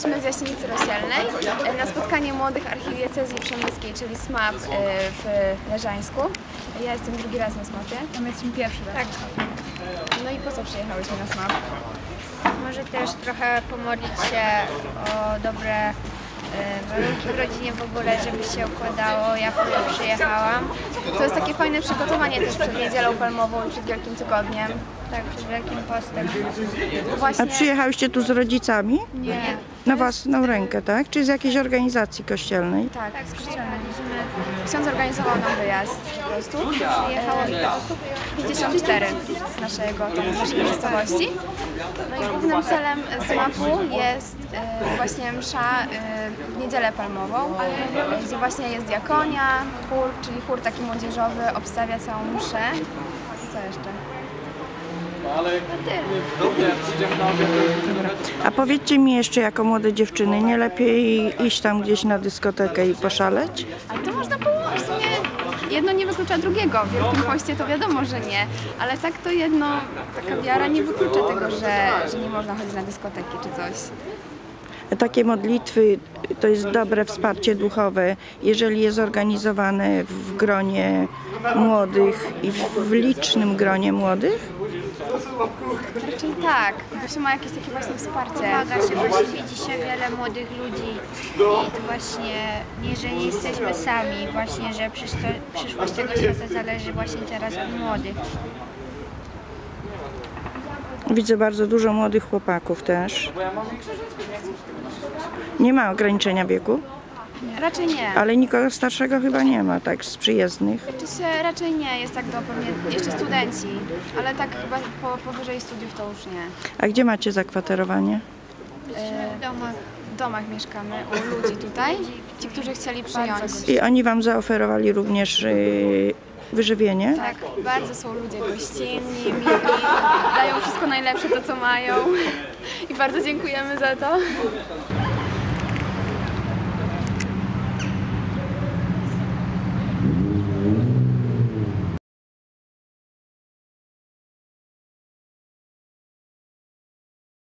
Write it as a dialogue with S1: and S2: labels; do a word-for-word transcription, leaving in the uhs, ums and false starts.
S1: Jesteśmy z Jaśnicy Rozsielnej na spotkanie młodych archidiecezji przemyskiej, czyli SMAP w Leżańsku. Ja jestem drugi raz na SMAPie.
S2: A my jesteśmy pierwszy raz.
S1: Tak. No i po co przyjechałyśmy na SMAP?
S3: Może też trochę pomodlić się o dobre warunki w rodzinie w ogóle, żeby się układało. Ja wtedy przyjechałam.
S1: To jest takie fajne przygotowanie też przed Niedzielą Palmową i przed Wielkim Tygodniem.
S3: Tak, przed Wielkim Postem.
S1: Właśnie...
S4: A przyjechałyście tu z rodzicami?
S1: Nie.
S4: Na własną rękę, tak? Czy z jakiejś organizacji kościelnej?
S1: Tak, tak, z kościelnej. Ksiądz organizował nam wyjazd po prostu.
S3: Przyjechało ile osób?
S1: pięćdziesiąt cztery z naszego, z naszej miejscowości. No i głównym celem SMAP-u jest e, właśnie msza e, w Niedzielę Palmową, e, gdzie właśnie jest diakonia, chór, czyli chór taki młodzieżowy, obstawia całą mszę. Co jeszcze?
S4: A powiedzcie mi jeszcze, jako młode dziewczyny, nie lepiej iść tam gdzieś na dyskotekę i poszaleć?
S1: Ale to można połączyć, w sumie jedno nie wyklucza drugiego. W Wielkim Poście to wiadomo, że nie, ale tak to jedno, taka wiara nie wyklucza tego, że, że nie można chodzić na dyskoteki czy coś.
S4: Takie modlitwy to jest dobre wsparcie duchowe, jeżeli jest zorganizowane w gronie młodych i w licznym gronie młodych?
S1: Raczej tak, bo się ma jakieś takie właśnie wsparcie.
S3: Pomaga się, właśnie widzi się wiele młodych ludzi i to właśnie nie, że nie jesteśmy sami, właśnie, że przyszłość tego świata zależy właśnie teraz od młodych.
S4: Widzę bardzo dużo młodych chłopaków też. Nie ma ograniczenia wieku?
S1: Raczej nie.
S4: Ale nikogo starszego chyba nie ma, tak, z przyjezdnych.
S1: Oczywiście raczej nie, jest tak do pewnie jeszcze studenci, ale tak chyba po, powyżej studiów to już nie.
S4: A gdzie macie zakwaterowanie?
S1: W domach, w domach mieszkamy u ludzi tutaj, ci, którzy chcieli przyjąć.
S4: I oni wam zaoferowali również yy, wyżywienie?
S1: Tak, bardzo są ludzie gościnni, mili, dają wszystko najlepsze to, co mają i bardzo dziękujemy za to.